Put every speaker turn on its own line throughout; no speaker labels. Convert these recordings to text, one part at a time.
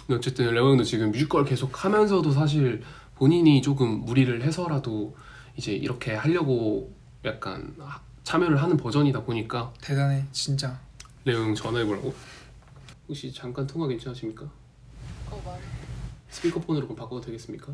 어쨌든 레오 형도 지금 뮤지컬 계속 하면서도 사실 본인이 조금 무리를 해서라도 이제 이렇게 하려고 약간 참여를 하는 버전이다 보니까
대단해 진짜.
레오 형 전화해보라고? 혹시 잠깐 통화 괜찮으십니까?
말해.
스피커폰으로 그럼 바꿔도 되겠습니까?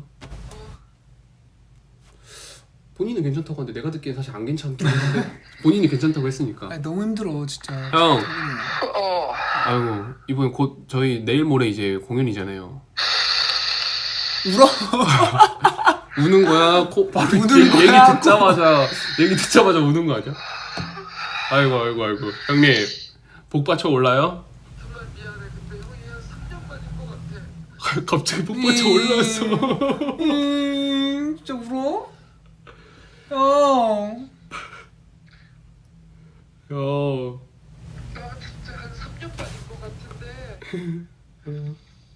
본인은 괜찮다고 하는데 내가 듣기엔 사실 안 괜찮긴 한데 본인이 괜찮다고 했으니까.
아니, 너무 힘들어 진짜.
형!
어.
아이고 이번에 곧 저희 내일 모레 이제 공연이잖아요.
울어?
우는 거야? 바로
우는
얘기
거야?
얘기 듣자마자 우는 거 아니야? 아이고 형님 복 받쳐 올라요?
정말 미안해. 근데 형이 한 3년 빠질 것 같아.
갑자기 복 받쳐 올라왔어.
진짜 울어? 형.
야.
나 진짜 한 3년 빠질 것 같은데.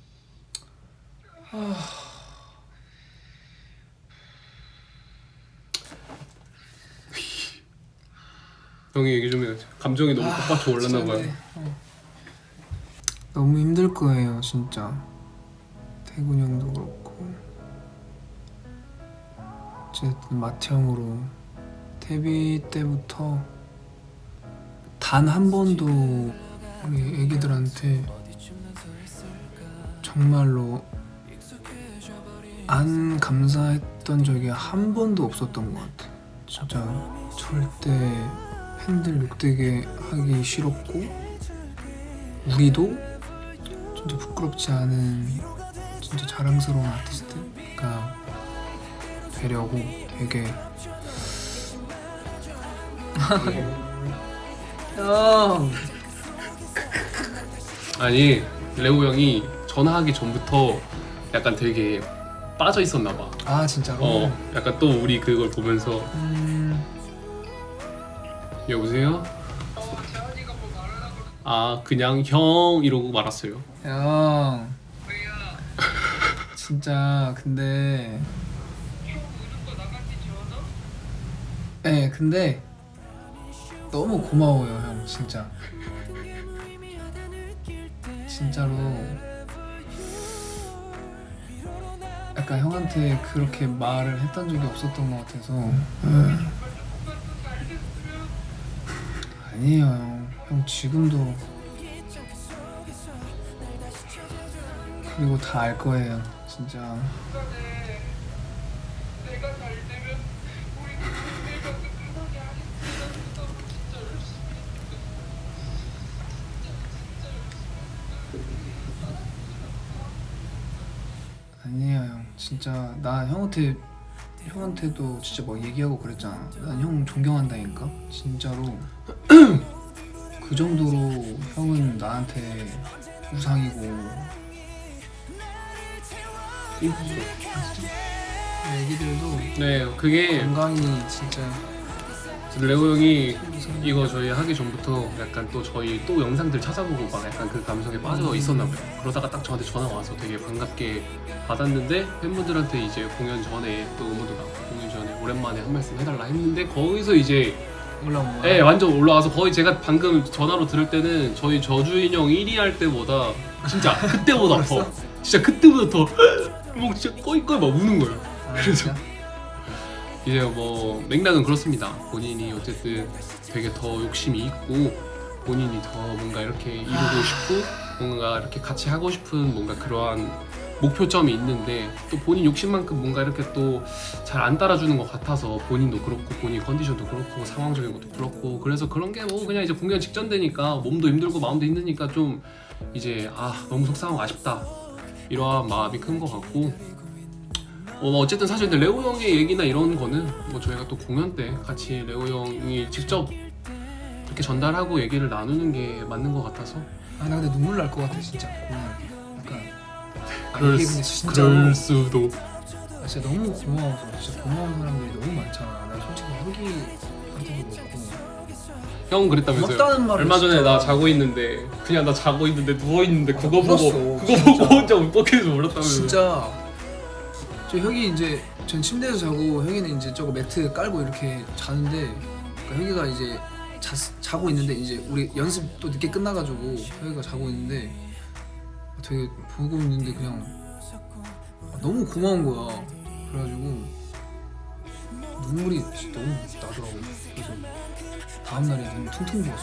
형이 얘기 좀 해. 감정이 너무 복 받쳐 올랐나 봐요.
너무 힘들 거예요 진짜. 태군 형도 그렇고 어쨌든 맏형으로 데뷔 때부터 단 한 번도 우리 애기들한테 정말로 안 감사했던 적이 한 번도 없었던 것 같아. 진짜 절대 팬들 욕되게 하기 싫었고 우리도 진짜 부끄럽지 않은 진짜 자랑스러운 아티스트가 되려고 되게 형.
아니 레오 형이 전화하기 전부터 약간 되게 빠져 있었나 봐.
아 진짜로?
약간 또 우리 그걸 보면서 여보세요?
재환이가 뭐 말하려고 그러는데.
아 그냥 형 이러고 말았어요.
형
왜야?
진짜 근데
형 우는 거 나가기 전화?
네 근데 너무 고마워요 형 진짜. 진짜로 약간 형한테 그렇게 말을 했던 적이 없었던 것 같아서. 아니에요 형 지금도 그리고 다 알 거예요 진짜.
중간에 내가 잘 되면 우리 내가 끝나게 하겠다. 진짜 열심히.
아니에요 형 진짜 나 형한테도 진짜 뭐 얘기하고 그랬잖아. 난 형 존경한다니까 진짜로. 그 정도로 형은 나한테 우상이고. 애기들도
네 그게
건강히 진짜
레오 형이 이거 저희 하기 전부터 약간 또 저희 또 영상들 찾아보고 막 약간 그 감성에 빠져 있었나 봐요. 그러다가 딱 저한테 전화 와서 되게 반갑게 받았는데 팬분들한테 이제 공연 전에 또 음원도 나고 공연 전에 오랜만에 한 말씀 해달라 했는데 거기서 이제
올라온 거야.
네 완전 올라와서 거의 제가 방금 전화로 들을 때는 저희 저주인형 1위 할 때보다 진짜 그때보다 더 진짜 그때보다 더뭐 진짜 꺼이꺼이 막 우는 거예요.
아,
그래서
진짜?
이제 뭐 맥락은 그렇습니다. 본인이 어쨌든 되게 더 욕심이 있고 본인이 더 뭔가 이렇게 이루고 싶고 뭔가 이렇게 같이 하고 싶은 뭔가 그러한 목표점이 있는데 또 본인 욕심만큼 뭔가 이렇게 또 잘 안 따라주는 것 같아서 본인도 그렇고 본인 컨디션도 그렇고 상황적인 것도 그렇고 그래서 그런 게 뭐 그냥 이제 공연 직전 되니까 몸도 힘들고 마음도 힘드니까 좀 이제 너무 속상하고 아쉽다 이러한 마음이 큰 것 같고 어쨌든 사실 근데 레오 형의 얘기나 이런 거는 뭐 저희가 또 공연 때 같이 레오 형이 직접 이렇게 전달하고 얘기를 나누는 게 맞는 것 같아서
아 나 근데 눈물 날 것 같아 진짜 공연. 약간
그럴,
이게 근데 진짜로
그럴 수도.
진짜 너무 고마워서 진짜 고마운 사람들이 너무 많잖아. 나 솔직히 형기한테도 그렇고
형 그랬다면서요?
고맙다는 말을
얼마 전에
진짜.
나 자고 있는데 그냥 나 자고 있는데 누워 있는데 그거
울었어,
보고
진짜.
혼자 울컥해서 울었다면서.
진짜 저 형이 이제 전 침대에서 자고 형이는 이제 저거 매트 깔고 이렇게 자는데 그러니까 형이가 이제 자고 있는데 이제 우리 연습 또 늦게 끝나가지고 형이가 자고 있는데 되게 보고 있는데 그냥 너무 고마운 거야. 그래가지고 눈물이 진짜 너무 나더라고. 그래서 다음 날에 눈 퉁퉁 부었어.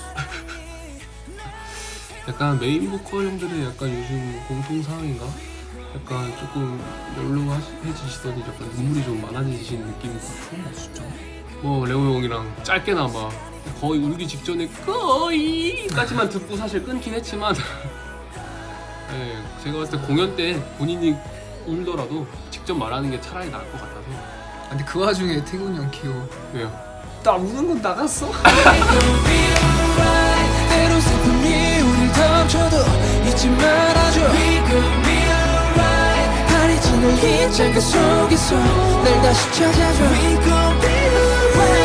약간 메인 보컬 형들의 약간 요즘 공통 상황인가? 약간 조금 연로해지시더니 약간 눈물이 좀 많아지시는 느낌이 있어.
진짜.
뭐 레오 형이랑 짧게나마 거의 울기 직전에 거의까지만 듣고 사실 끊긴 했지만 네, 제가 봤을 때 공연 때 본인이 울더라도 직접 말하는 게 차라리 나을 것 같아서.
근데 그 와중에 태균이 형 귀여워.
왜요?
나 우는 건 나갔어.
때로 슬픔이 우릴 덮쳐도 잊지 말아줘. 파리지는 이 장가 속에서 날 다시 찾아줘. We gon' be alright.